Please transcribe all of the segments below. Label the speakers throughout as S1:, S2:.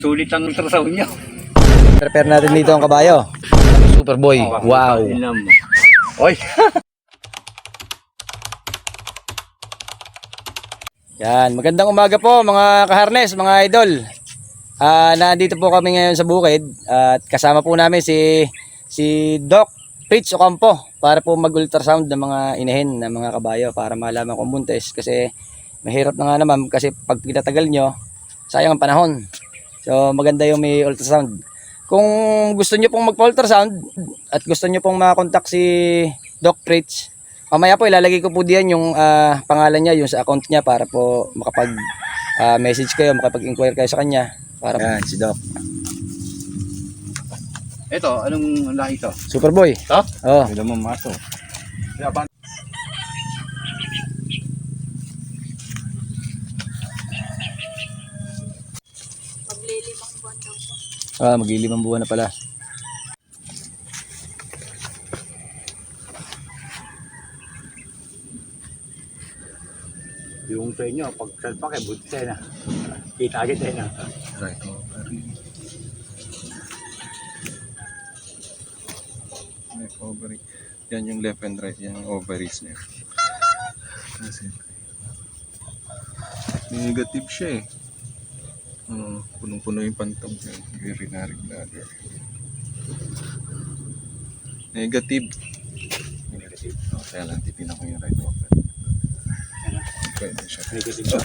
S1: Sulit ang ultrasound niya.
S2: Prepare natin dito ang kabayo. Superboy. Wow.
S1: Oy.
S2: Yan, magandang umaga po mga kaharnes, mga idol. Nandito po kami ngayon sa bukid at kasama po namin si Doc Fritz Ocampo para po mag-ultrasound ng mga inahin ng mga kabayo para malaman kung buntis kasi mahirap na nga naman kasi pag tinatagal nyo, sayang ang panahon. So maganda yung may ultrasound. Kung gusto nyo pong magpa-ultrasound at gusto nyo pong makakontak si Doc Fritz, mamaya po ilalagay ko po diyan yung pangalan niya, yung sa account niya para po makapag message kayo, makapag-inquire kayo sa kanya. Para yan, si Doc.
S1: Ito, anong lahi ito?
S2: Superboy.
S1: Ito?
S2: Oh.
S1: Hindi naman maso.
S3: Maglilimang buwan daw po.
S2: Mag-ilimang buwan na pala.
S1: Yung sa inyo, pag salpak eh, buti tayo na. Kita agad tayo na.
S4: Right ovary. Left ovary. Yan yung left and right, yan yung ovaries niya. Kasi negative siya eh. Punong-puno yung pantog niya. Urinary bladder. Negative. Negative. Kaya lang tipinan ko yung right ovary. Pwede siya.
S1: Negative ba?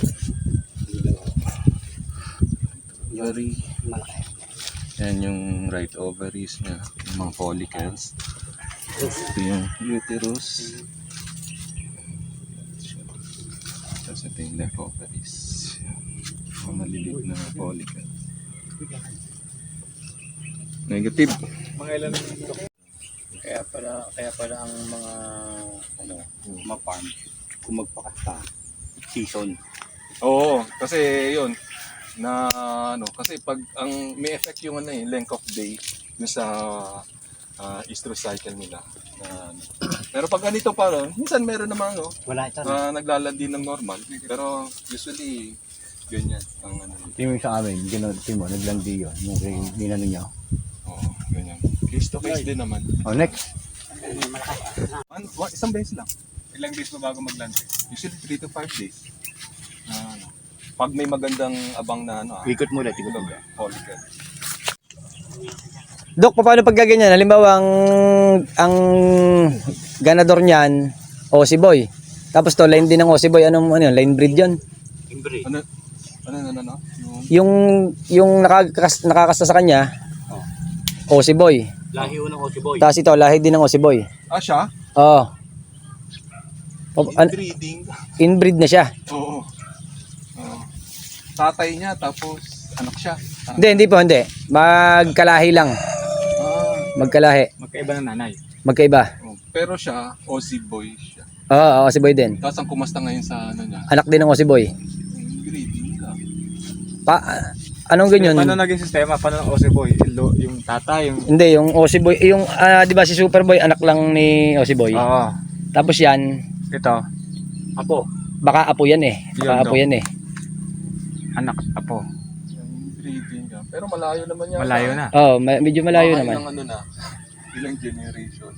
S1: Yori, malaki.
S4: Yan yung right ovaries niya, yung mga follicles. Ito yung uterus. Tapos ito yung left ovaries. Mga maliliit na follicles. Negative.
S1: Kaya pala ang mga ma-farm kung magpakasta season.
S4: Oo, kasi yun na kasi pag ang may effect yung length of day dun sa estrous cycle nila. Pero pag ganito pa ron, minsan meron naman
S1: Wala ito.
S4: naglalandi ng normal, pero usually ganyan ang
S1: Yung sa amin, gano'n mo, naglandi yun. Yung ginano niya.
S4: Oo, ganyan. Case to case din naman.
S1: Oh, next.
S4: Isang beses lang. Ilang days pa bago maglandi? Usually 3 to 5 days. Pag may magandang abang na
S1: Ikot mo ulit, ikot mo.
S4: follicle.
S2: Doc, paano pag gaganyan? Halimbawa ang ganador niyan, Aussie Boy. Tapos to line din ng Aussie Boy, ano yun? Line breed 'yon.
S1: Imbre.
S4: Ano?
S2: Yung nakakasta sa kanya, Aussie Boy.
S1: Lahi unang Aussie Boy.
S2: Tapos ito, lahi din ng Aussie Boy.
S4: Siya?
S2: Oo.
S4: Inbreeding.
S2: Inbreed na siya.
S4: Oo. Tatay niya, tapos anak siya.
S2: Hindi po, hindi. Magkalahi lang. Magkalahi.
S1: Magkaiba ng nanay.
S2: Magkaiba.
S4: Pero siya, Aussie boy siya.
S2: Oo, Aussie Boy din.
S4: Tapos ang kumasta ngayon sa niya,
S2: Anak din ng Aussie Boy.
S4: inbreeding ka.
S2: Anong ganyan?
S5: Paano naging sistema? Paano ng Aussie Boy? Yung tatay, yung...
S2: Hindi, yung Aussie Boy, yung, di ba si Superboy, anak lang ni Aussie Boy.
S5: Oo.
S2: Tapos yan,
S5: Ito,
S1: Apo.
S2: baka apo yan eh. Baka
S5: Yun,
S2: apo
S5: Doc.
S2: yan eh.
S5: anak, apo.
S4: Inbreeding ka. Pero malayo naman yan.
S5: Malayo na.
S2: Oo, medyo malayo
S4: Mga
S2: naman.
S4: ilang ilang generation.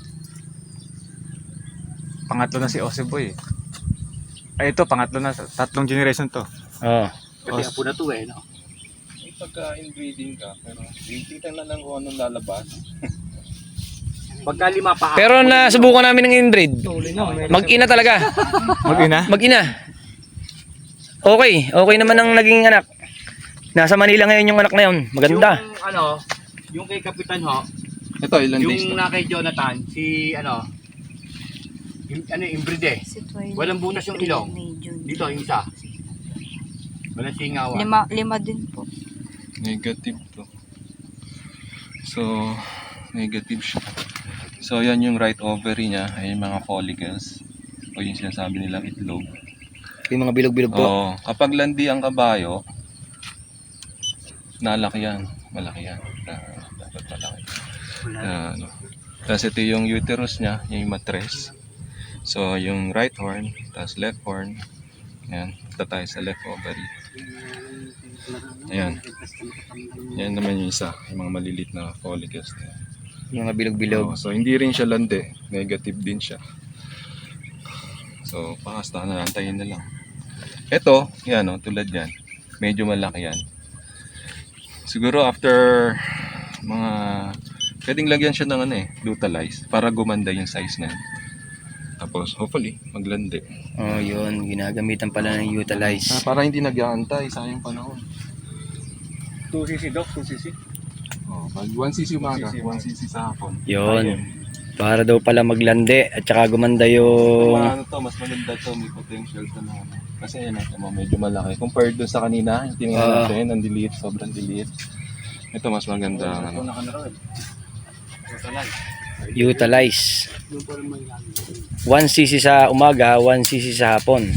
S5: Pangatlo na si Aussie Boy. Ay, ito, pangatlo na. Tatlong generation to.
S2: Oo.
S1: Kasi apo na to eh, no?
S4: Pagka inbreeding ka, pero titignan na lang kung anong lalabas.
S1: Pagka lima pa.
S2: Pero nasubukan namin ng inbreed. Mag-ina talaga.
S5: Mag-ina?
S2: Mag-ina. Okay naman ang naging anak. Nasa Manila ngayon yung anak na yun. Maganda.
S1: Yung kay Kapitan ho,
S4: Ito, ilang days
S1: yung na kay Jonathan, si inbreed eh.
S3: Si Twilight.
S1: Walang butas yung ilong.
S3: May June.
S1: Dito, yung isa. Walang singawan.
S3: Lima din po.
S4: Negative to. So, negative siya. So, yan yung right ovary niya, ay yung mga follicles. O yung sinasabi nilang itlog.
S2: Yung mga bilog-bilog po.
S4: Oo, kapag landi ang kabayo, nalaki yan. Malaki yan. Dapat malaki. Tapos ito yung uterus niya, yung matres. So, yung right horn, tapos left horn. Yan, ito tayo sa left ovary. Ayan. Yan naman yung isa, yung mga malilit na follicles na yan.
S2: Yung mga bilog-bilog.
S4: So hindi rin siya lande, negative din siya. So pakasta na, antayin na lang. Ito, yan tulad yan, medyo malaki yan. Siguro after mga, pwedeng lagyan siya ng Lutalize para gumanda yung size na yan. Tapos hopefully maglande.
S2: Oh, yun. Ginagamitan pala ng utilize.
S4: Para hindi nag-aantay, sayang panahon.
S1: 2cc, Doc, 2cc.
S4: Pag 1cc umaga, 1cc sa hapon.
S2: Yun. Para daw pala maglande at saka gumanda yung...
S4: Mas maganda to, may potential to na. Kasi yan, medyo malaki. Compared dun sa kanina, yung tingnan natin, ang diliit, sobrang diliit. Ito mas maganda.
S2: Utilize. 1cc sa umaga, 1cc sa hapon.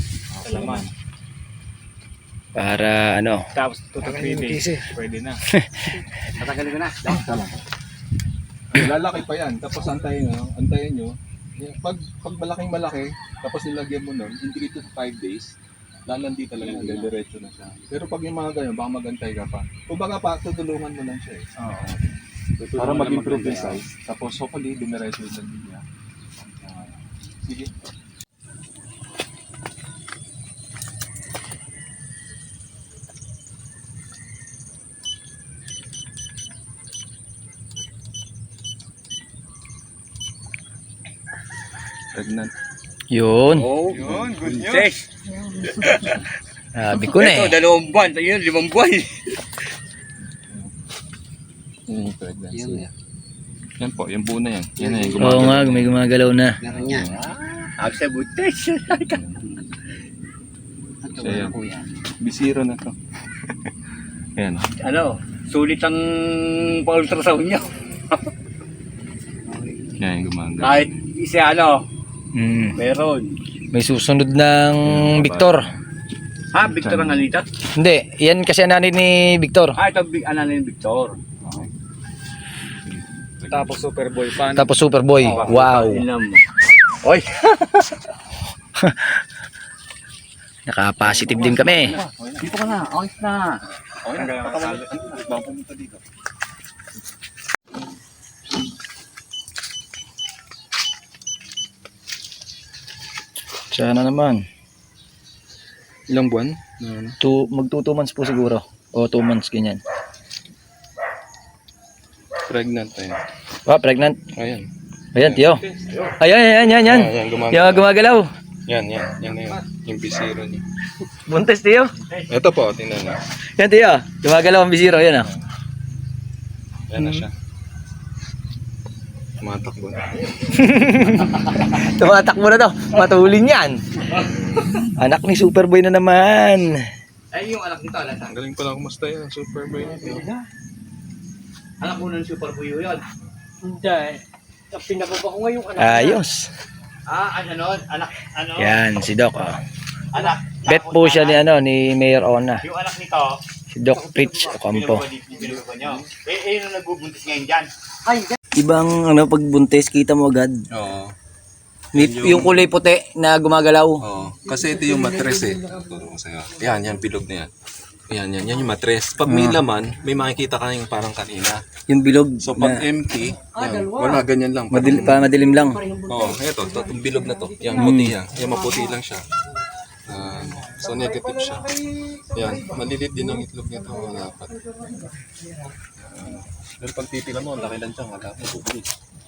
S2: Para
S1: Tapos 2 to 3 days. Pwede na. Tatagalin ko na.
S4: Lalaki pa yan, tapos antayin nyo. Pag malaki, tapos nilagyan mo nun, in 3 to 5 days, lalandi talaga, diretso na siya. Pero pag yung mga ganyan, baka magantay ka pa. Kung baka pa, tutulungan mo lang siya para mag-improve yung size. Tapos hopefully, dumiretso yung landi niya. Sige. Pregnant.
S2: yun.
S1: Yun, good news.
S2: Sabi ko na
S1: Ito, 2 buwan. Ayun, 5 buwan.
S4: Yung pregnancy. Yan po, yung buo na yan. Yan na yung
S2: Oo nga, may gumagalaw na.
S1: Ako sa butis.
S4: So, yan. Bisiro na to. Yan.
S1: Sulit ang pa-ultrasound nyo.
S4: Yan yung gumagalaw.
S1: Kahit isa
S2: Mm.
S1: meron.
S2: May susunod ng Victor.
S1: Victor ang alita?
S2: Hindi, yan kasi ang nanay ni Victor.
S1: Ito, ni Victor.
S5: Tapos Superboy fan.
S2: Tapos Superboy. Wow.
S1: Oy!
S2: Naka-positive din kami.
S1: Dito ka na, ayos na.
S4: Okay na, katawan. Baka pumunta dito.
S2: Sana naman.
S4: Ilang buwan?
S2: Mag 2 months po siguro. O 2 months ganyan.
S4: Pregnant na yan.
S2: Pregnant.
S4: Ayan.
S2: Ayan, tiyo. Ayan.
S4: Yan,
S2: Yung gumagalaw.
S4: Yan na yun. Yung bisiro niya.
S2: Buntes, tiyo.
S4: Ito po, tingnan niyo.
S2: Yan, tiyo. Gumagalaw ang bisiro. Yan,
S4: Yan na siya. Tumatakbo na.
S2: Tumatakbo na to. Matulin yan. Anak ni Superboy na naman.
S1: Ay, yung anak nito,
S4: Ang galing pala kumusta yan, Superboy.
S1: anak ko ng Super Buyo yun.
S3: Hindi. Pinababa ko ngayong anak.
S2: Ayos.
S1: Anak,
S2: Yan, si Doc.
S1: anak.
S2: Bet po siya ni Mayor Ona.
S1: Yung anak nito,
S2: Si Doc Fritz Ocampo.
S1: binubukan nyo. Yung nagbubuntis ngayon dyan.
S2: Ibang pagbuntis, kita mo agad.
S4: Oo.
S2: Yung kulay puti na gumagalaw.
S4: Oo. Kasi ito yung matres Tuturo ko sa'yo. Yan, bilog na yan. Yan yung matres. Pag may laman, may makikita ka yung parang kanina.
S2: Yung bilog.
S4: So pag empty, yan, wala, ganyan lang.
S2: Madilim lang.
S4: Oo, ito, itong bilog na to. Yung puti yan. Yung maputi lang siya. So negative siya. Yan, malilit din ang itlog nito. Dapat. Pero pag titilan mo, ang laki lang siya. Wala pa, bubuli.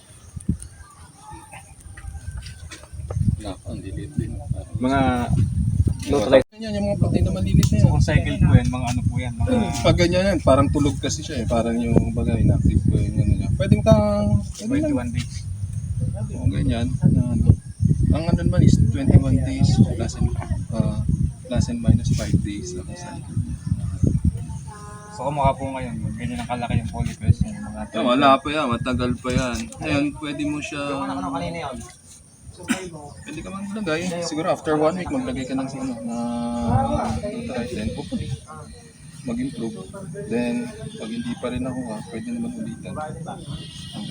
S4: Wala pa, ang lilit din.
S5: Mga
S4: Yan, yung mga puti na malilit na yan.
S5: cycle po yan, mga ano po yan. Mga
S4: Pag ganyan yan, parang tulog kasi siya Parang yung bagay, inactive ko yun. Pwede mo kang...
S5: 21 days.
S4: O, ganyan. Ang ano naman is 21 days plus and minus 5 days.
S5: So kumukha po ngayon, ganyan ang kalaki yung follicles. Yung mga
S4: Wala pa yan, matagal pa yan. Ngayon, pwede mo siya... Pwede ka man maglagay. Siguro after 1 week, maglagay ka ng then hopefully mag-improve. Then, pag hindi pa rin nakuha, pwede naman ulitan. Ang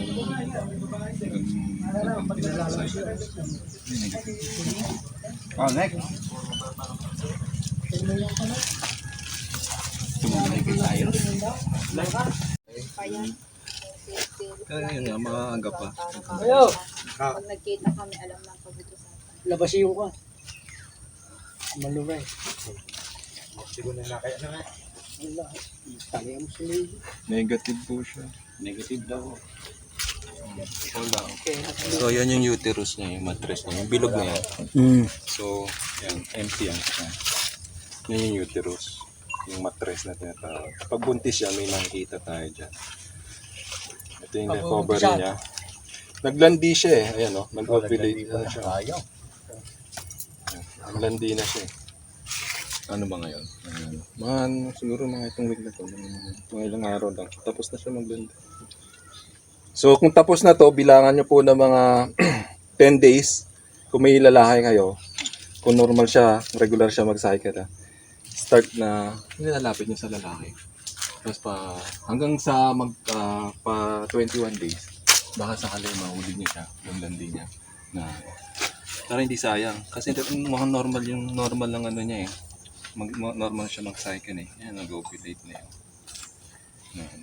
S1: Next.
S4: Kaya yun nga, maaga pa.
S3: Ayo,
S6: Pag nagkita kami, alam lang pag-utusan.
S3: labas yung ka. Malugay.
S1: Siguro na kaya na nga.
S3: Wala. Tali mo sa lady.
S4: Negative po siya.
S1: Negative daw.
S4: Wala.
S3: Okay.
S4: So, yan yung uterus niya, yung mattress niya. Yung bilog na yan.
S2: Mm.
S4: So, yan, empty yan. Yan yung uterus. Yung mattress na tinatawag. Pag buntis yan, may nakikita tayo dyan. Ito yung
S3: Pag
S4: cover
S3: buntis yan.
S4: niya. Naglandi siya eh. Ayan o, nag-ovulate na siya.
S1: Ayaw.
S4: Naglandi na siya eh. Ano ba ngayon? Siguro mga itong week na to. Mga ilang araw lang. Tapos na siya maglandi. So, kung tapos na to, bilangan nyo po ng mga 10 days. Kung may lalaki kayo, kung normal siya, regular siya mag-cycle, start na, nilalapit niya sa lalaki. Tapos hanggang sa pa 21 days, baka sakali mahuli niya siya, yung landi niya. Para hindi sayang. Kasi mga normal ng ano niya eh. Normal siya mag-cycle eh. Yan, nag-ovulate na yun. Yan.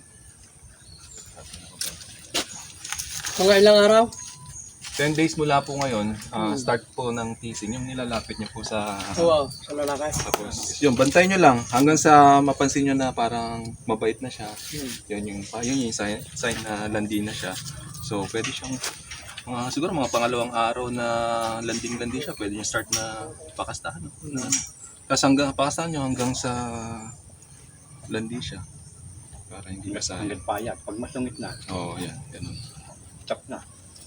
S3: Mga ilang araw?
S4: 10 days mula po ngayon, start po ng teasing, yung nilalapit niyo po sa...
S3: Oo, sa lalaki.
S4: Tapos, yun, bantay nyo lang hanggang sa mapansin nyo na parang mabait na siya. Yun yung sign na landi na siya. So, pwede siyang, siguro mga pangalawang araw na landing-landi siya, pwede nyo start na pakastahan. Tapos pakastahan nyo hanggang sa landi siya. Para hindi masaya.
S1: Hanggang payat. Pag masungit na,
S4: Oo, yan. Ganun.
S1: chop na.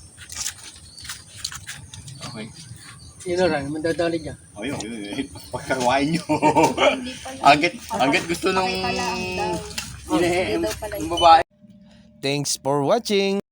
S4: Okay.
S3: Yun na lang, mandadali niya.
S1: O yun. Pagkawain nyo.
S6: Hindi pala.
S1: Agad gusto nung...
S6: Okay pala ang daw.
S1: Ine-
S6: Hindi daw pala
S1: yung babae.
S2: Thanks for watching.